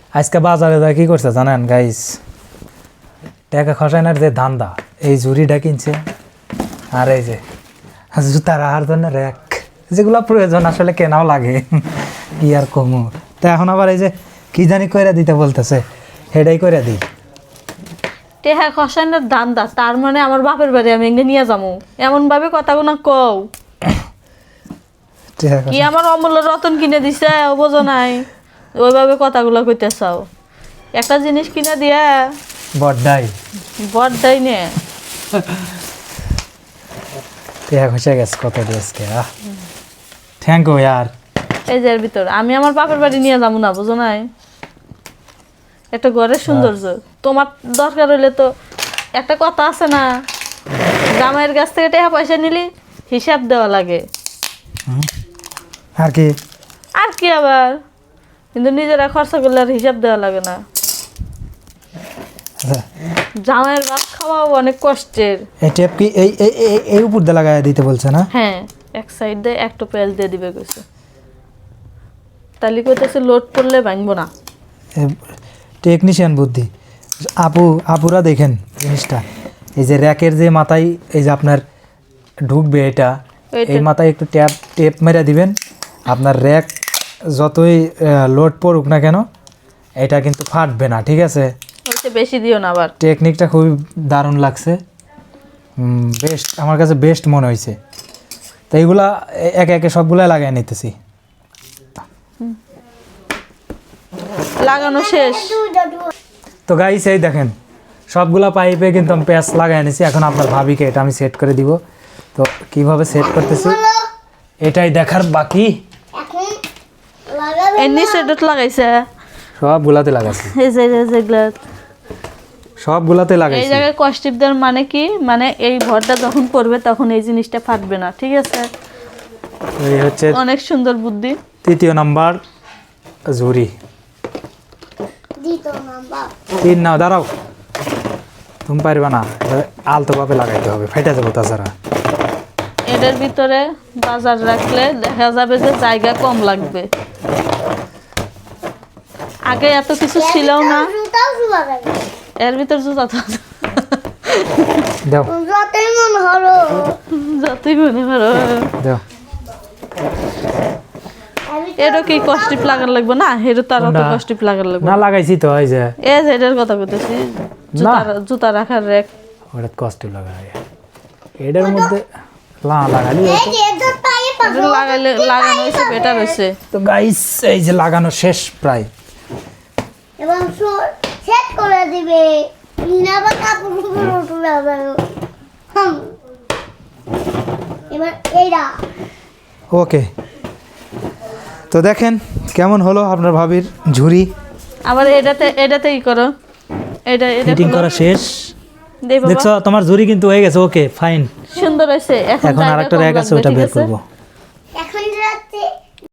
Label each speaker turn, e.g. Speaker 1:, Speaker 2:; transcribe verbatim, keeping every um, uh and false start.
Speaker 1: আজকে বাজারে যা কি করছে জানেন গাইস, টাকা খসাইনার যে ধান্দা, এই ঝুড়িটা কিনছে আর এই যে জুতা রাখার জন্য র্যাক, যেগুলো প্রয়োজন আসলে কেনাও লাগে কি আর কমু। তা এখন আবার এই যে কি জানি কইরা দিতে বলতেছে, হেডাই কইরা দিই।
Speaker 2: টেহা খসাইনার ধান্দা, তার মানে আমার বাপের বাড়ি আমি এনে নিয়ে যাবো, এমন ভাবে কথাগুলো কও কি আমার অমূল্য রতন কিনে দিছে ও বোঝো নাই, ওইভাবে কথাগুলো কইতে চাও। একটা জিনিস কিনে দিয়া
Speaker 1: বড়দাই
Speaker 2: বড়দাই নে
Speaker 1: টেহা খসে গেছে কত আজকে। আহ থ্যাংক ইউ ইয়ার।
Speaker 2: এই যে এর ভিতর আমি আমার বাপের বাড়ি নিয়ে যাবো না, বুঝো নাই, একটা ঘরের সৌন্দর্য। তোমার দরকার হইলে তো একটা কথা আছে না, জামাইয়ের কাছ থেকে টাকা পয়সা নিলি হিসাব দেওয়া লাগে।
Speaker 1: আর কি
Speaker 2: আর কি আবার, কিন্তু নিজেরা খরচা করলে আর হিসাব দেওয়া লাগে না। জামাইয়ের ভাত খাওয়াও অনেক কষ্টের।
Speaker 1: এই টেপ কি এই এই এই- এই উপর দিয়ে লাগাই দিতে বলছে না?
Speaker 2: হ্যাঁ, এক সাইড দিয়ে একটু পেঁয়াজ দিয়ে দিবে কইছে, তাহলে কইতেছে লোড করলে ভাঙবো না।
Speaker 1: টেকনিশিয়ান বুদ্ধি। আপু আপুরা দেখেন জিনিসটা, এই যে র্যাকের যে মাথায় এই যে আপনার ঢুকবে এটা,
Speaker 2: এইটা।
Speaker 1: এই মাথায় একটু ট্যাপ টেপ মেরে দিবেন, আপনার র্যাক যতই লোড পড়ুক না কেন এটা কিন্তু ফাটবে না, ঠিক আছে?
Speaker 2: ওইটা বেশি দিও না আবার।
Speaker 1: টেকনিকটা খুবই দারুণ লাগছে, বেস্ট, আমার কাছে বেস্ট মনে হয়েছে। তো এইগুলা এ- একে একে সবগুলা লাগাই নিতেছি।
Speaker 2: লাগানো শেষ।
Speaker 1: তো গাইস এই দেখেন সবগুলা পাইপে কিন্তু আমি প্যাচ লাগাই এনেছি। এখন আপনার ভাবিকে এটা আমি সেট করে দিব। তো কিভাবে সেট করতেছি এটাই দেখার বাকি।
Speaker 2: এর নিচে ডট লাগাইছে,
Speaker 1: সবগুলাতে লাগাইছি,
Speaker 2: এই যে এই যে যেগুলা
Speaker 1: সবগুলাতে
Speaker 2: এই
Speaker 1: লাগাইছি।
Speaker 2: জায়গায় কষ্টিপ দেওয়ার মানে কি, মানে এই ভরটা যখন পড়বে তখন এই জিনিসটা ফাটবে না, ঠিক আছে?
Speaker 1: এই হচ্ছে
Speaker 2: অনেক সুন্দর বুদ্ধি।
Speaker 1: তৃতীয় নাম্বার ঝুড়ি। তিন নাও, দাঁড়াও, তুমি পারবে না, আলতো ভাবে লাগাইতে হবে, ফেটে যাবো তাছাড়া।
Speaker 2: এটার ভিতরে বাজার রাখলে দেখা যাবে যে জায়গা কম লাগবে। আগে এত কিছু ছিল না, এর ভিতর জুতা তো
Speaker 1: দাও
Speaker 2: যতই মনে করো।
Speaker 1: দাও।
Speaker 2: এটা কি কষ্টিপ লাগার লাগবে না, এটা তার অত
Speaker 1: কোনটা?
Speaker 2: কষ্টিপ লাগার লাগবে
Speaker 1: না লাগাইছি তো, এই যে
Speaker 2: এই যে এটার কথা বলতেছি, জুতা জুতা রাখার রেক।
Speaker 1: ওটা কষ্ট লাগাই, এটার মধ্যে লা লাগালি হতো।
Speaker 2: এটা লাগাইলে লাগানো হয়েছে বেটার হয়েছে।
Speaker 1: তো গাইস এই যে লাগানো শেষ প্রায়।
Speaker 3: এবং সেট করে দিবে না বা কাপড় উপরে উঠে যাবে। হুম এবার এইটা
Speaker 1: ওকে, তো দেখেন কেমন হলো আপনার ভাবির ঝুড়ি।
Speaker 2: আবার এটাতে এটাতে ই করো, এটা এটা
Speaker 1: ফিটিং করা শেষ।
Speaker 2: দেই বাবা,
Speaker 1: দেখছো তোমার ঝুড়ি কিন্তু হয়ে গেছে। ওকে ফাইন,
Speaker 2: সুন্দর হয়েছে। এখন
Speaker 1: এখন
Speaker 2: জায়গা
Speaker 1: আরেকটা
Speaker 2: কম
Speaker 1: র্যাক আছে
Speaker 2: লাগবে,
Speaker 1: ওটা
Speaker 2: ঠিক
Speaker 1: বের
Speaker 2: আছে?
Speaker 1: করবো।